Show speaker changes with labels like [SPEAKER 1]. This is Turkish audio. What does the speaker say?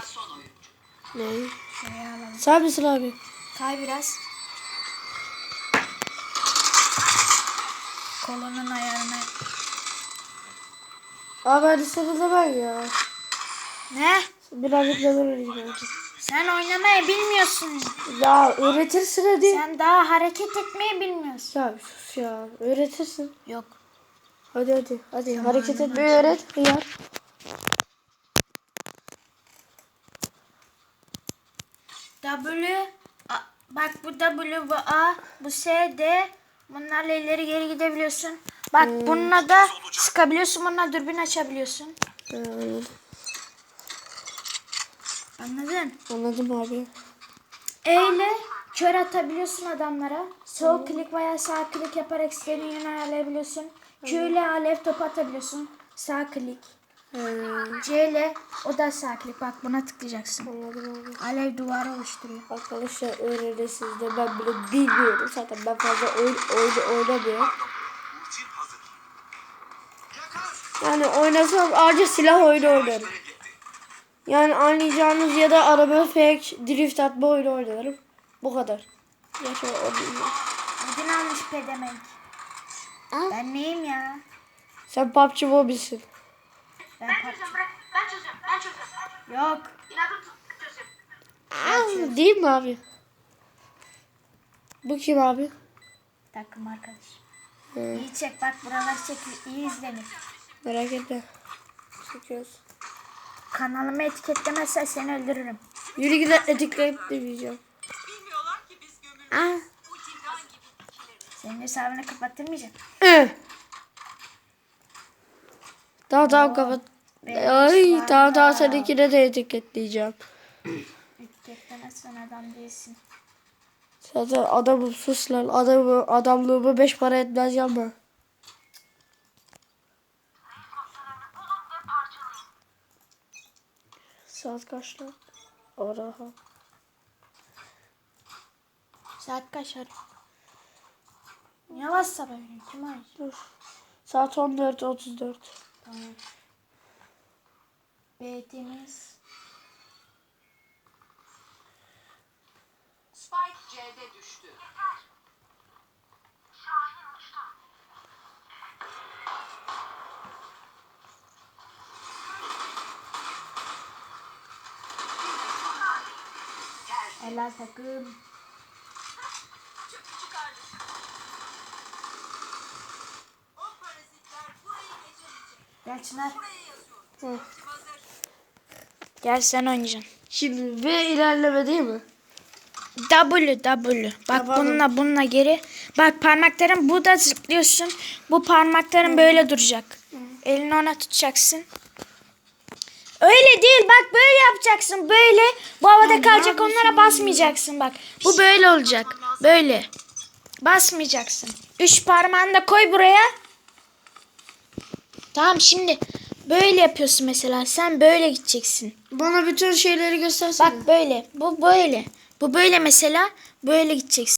[SPEAKER 1] Ne?
[SPEAKER 2] Şuraya alalım.
[SPEAKER 1] Sağ mısın abi?
[SPEAKER 2] Kay biraz. Kolunun ayarına.
[SPEAKER 1] Abi hadi sana da ben ya.
[SPEAKER 2] Ne?
[SPEAKER 1] Birazcık da öğreneyim hadi.
[SPEAKER 2] Sen oynamayı bilmiyorsun.
[SPEAKER 1] Ya öğretirsin hadi.
[SPEAKER 2] Sen daha hareket etmeyi bilmiyorsun.
[SPEAKER 1] Ya sus ya. Öğretirsin.
[SPEAKER 2] Yok.
[SPEAKER 1] Hadi.
[SPEAKER 2] Zamanım
[SPEAKER 1] Hareket etmeyi
[SPEAKER 2] var.
[SPEAKER 1] öğret. Hıyar.
[SPEAKER 2] Bak bu W, bu A, bu S, D. Bunlarla ileri geri gidebiliyorsun. Bak bununla da sıkabiliyorsun. Bununla dürbün açabiliyorsun.
[SPEAKER 1] Anladım.
[SPEAKER 2] Anladın?
[SPEAKER 1] Anladım abi.
[SPEAKER 2] E ile kör atabiliyorsun adamlara. Sol klik veya sağ klik yaparak istediğin yöne ayarlayabiliyorsun. Q ile alev topu atabiliyorsun. Sağ klik. C ile o da sağ klik. Bak buna tıklayacaksın.
[SPEAKER 1] Anladım abi.
[SPEAKER 2] Alev duvarı oluşturuyor.
[SPEAKER 1] Arkadaşlar öğrenirsiniz de ben bile bilmiyorum. Zaten ben fazla oynamıyorum. Yani oynasam ayrıca silah oyunu oynarım. Yani anlayacağınız ya da araba fake drift atma oyunu oynarım. Bu kadar. Yaşa o değil.
[SPEAKER 2] Ödün almış pedemek. Ben neyim ya?
[SPEAKER 1] Sen PUBG Mobile'sin.
[SPEAKER 2] Ben
[SPEAKER 3] Çözeceğim bırak. Ben çözeceğim.
[SPEAKER 2] Yok.
[SPEAKER 3] İnadım tut.
[SPEAKER 1] Değil mi abi? Bu kim abi?
[SPEAKER 2] Takım arkadaş. İyi çek bak buralar çek. İyi izlenir.
[SPEAKER 1] Merak etme. Çekiyoruz.
[SPEAKER 2] Kanalımı etiketlemezsen seni öldürürüm.
[SPEAKER 1] Yürü gidip etikleyip demeyeceğim.
[SPEAKER 3] Bilmiyorlar ki biz gömülmüş. Bu cindan gibi ikileriz.
[SPEAKER 2] Senin hesabını kapattırmayacağım.
[SPEAKER 1] Tamam kapat. Ay tamam seninkine de etiketleyeceğim.
[SPEAKER 2] Etiketlemezsen adam değilsin.
[SPEAKER 1] Zaten adamım sus lan. Adamlığımı 5 para etmez yapma. Saat kaç lan? Araha.
[SPEAKER 2] Saat kaç ara? Niye WhatsApp'a veriyorsun? Kim arıyor?
[SPEAKER 1] Dur. Saat 14.34.
[SPEAKER 2] Tamam. B'temiz.
[SPEAKER 3] Spike C'de düştü.
[SPEAKER 2] Helal takım.
[SPEAKER 3] Çıkardı. O parazitler burayı geçemeyecek.
[SPEAKER 2] Gel Çınar.
[SPEAKER 3] Buraya yazıyor. Hazır.
[SPEAKER 2] Gel sen oynayacaksın.
[SPEAKER 1] Şimdi V ilerleme değil mi?
[SPEAKER 2] W. Bak
[SPEAKER 1] Tamam.
[SPEAKER 2] bununla geri. Bak parmakların bu da zıplıyorsun. Bu parmakların böyle duracak. Elini ona tutacaksın. Öyle değil bak böyle yapacaksın böyle. Bu havada kalacak onlara basmayacaksın bak. Bu böyle olacak. Böyle. Basmayacaksın. 3 parmağını da koy buraya. Tamam şimdi böyle yapıyorsun mesela. Sen böyle gideceksin.
[SPEAKER 1] Bana bütün şeyleri göstersene.
[SPEAKER 2] Bak böyle. Bu böyle. Bu böyle mesela. Böyle gideceksin.